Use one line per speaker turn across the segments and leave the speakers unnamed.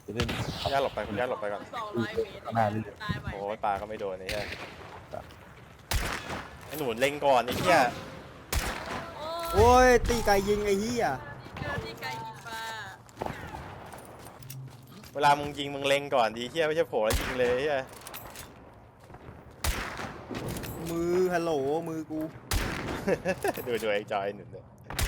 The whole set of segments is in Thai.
จะเล่น
คุณย่าหลบไปคุณย่าหลบไปก่อน
200 เมตร
หน้านี่
ตายไหม
โอ้ยปลาก็ไม่โดนไอ้เหี้ยไอ้หนูเล็งก่อนไอ้เหี้ย
โอ้
โอ้ยตีไก่ยิงไอ้เหี้ย
ที่ไกลยิงปลา
เวลามึงยิงมึงเล็งก่อนดีเหี้ยไม่ใช่โผล่แล้วยิงเลยไอ้เหี้ย
มือฮัลโหลมือกู
ดูไอ้จอยหนุนเลย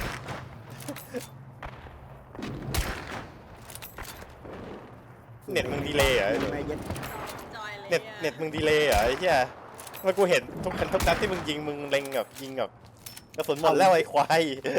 เน็ตมึงดีเลยเหรอไอ้หนู
แม่เย็ด
จอยเลย
เน็ตมึงดีเลยเหรอไอ้เหี้ยเมื่อกูเห็นทุกนัดที่มึงยิงมึงเล็งแบบยิงแบบกระสุนหมดแล้วไอ้ควาย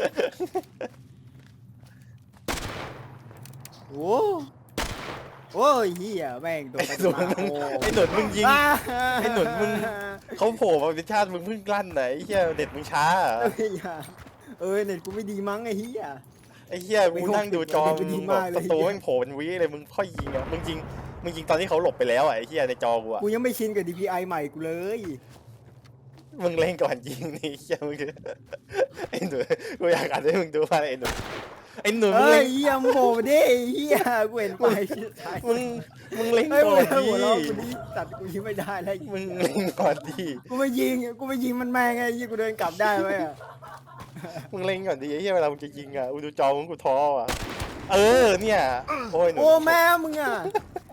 โอ้โอ้ยเหี้ยแม่งโดน
ไอ้หนุนมึงไอ้หนุนมึงยิง ไอ้หนุนมึง เขาโผล่มาเป็นชาติมึงเพิ่งกลั้นไหนไอ้เหี้ยเน็ตมึงช้าเหรอ
เอ้ยเน็ตกูไม่ดีมั้งไอ้เหี้ย
ไอ้เหี้ยกูนั่งดูจอ
ไม่
มึ
ดี
งแบ
มา
บ
กเลย
สตูแม่งโผล่เป็นวิเลยมึงค่อยยิงอ่ะมึงยิงตอนที่เขาหลบไปแล้วอ่ะไอ้เหี้ยในจอกูอ่ะ
กูยังไม่ชินกับ DPI ใหม่กูเลย
มึงเล่นก่อนยิงนี่เหี้ยมึงไอ้หนูกูอยากอ่านให้มึงดูว่าไอ้หนูมึง
เอ้
เล่
ย
น
เหี้ยมึงโผล่มาดิไอ้เหี้ยกูเห็นไป
มึงเล่น
เฮ้ย
ก่
มึ
อง น
หัวเราะ
ดิ
กูนี่ตัดกูยิงไม่ได้แล้ว
มึงเล่นก่อนดิ
กูไม่ยิงมันแม่งไงยี่กูเดินกลับได้ไหมอะ
มึงเล่นก่อนดิไอ้เหี้ยเวลามึงจะยิงอ่ะกูดูจอมึงกูท้ออ่ะเออเนี่ยโอ้ยหนู
โอ้แม่มึงอ่ะ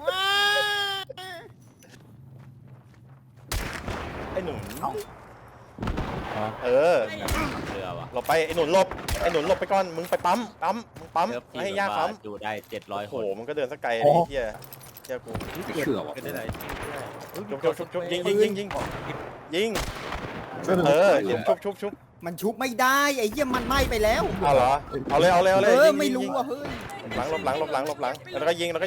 ไอ้หนู
อ๋อ
เออ
เรือวะ
หลบไปไอ้หนุนหลบไปก่อนมึงไปปั๊มมึงปั๊ม
เรือพี่
ให้ย่าปั๊ม
ดูได้700
โอ้
ค
โห
น
มันก็เดินสักไกลเลยไอ้เหี้ยเหี้ยกู
เชื่อวะ
ก็ได้ไหน
ชุบยิงเออชุบ
มันชุบไม่ได้ไอ้เหี้ยมันไหม้ไปแล้ว
เอาเหรอเอาเลย
เออ
ยิง
ไม่รู้อ่ะเฮ้ย
หลังหลบหลังแล้วก็ยิง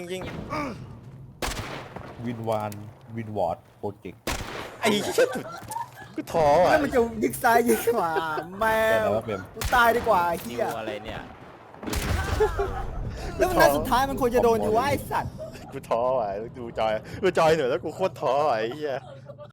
วินวอร์ดโปรเจกต์
ไอ้เหี้ยกูท้ออ่ะ
แล้วมันจะยิงซ้ายยิงขวาแม่
แต่แล้วเปม
กูตายดีกว่าไอ้
นิ
เหี้ยว
อะไรเนี่ย
แล้วมันนัดสุดท้ายมันควรจะโดนอยู่ว่าไอ้สัตว์
กูท้ออ่ะดูจอยหน่อยแล้วกูโคตรท้ออ่ะไอ้เหี้ย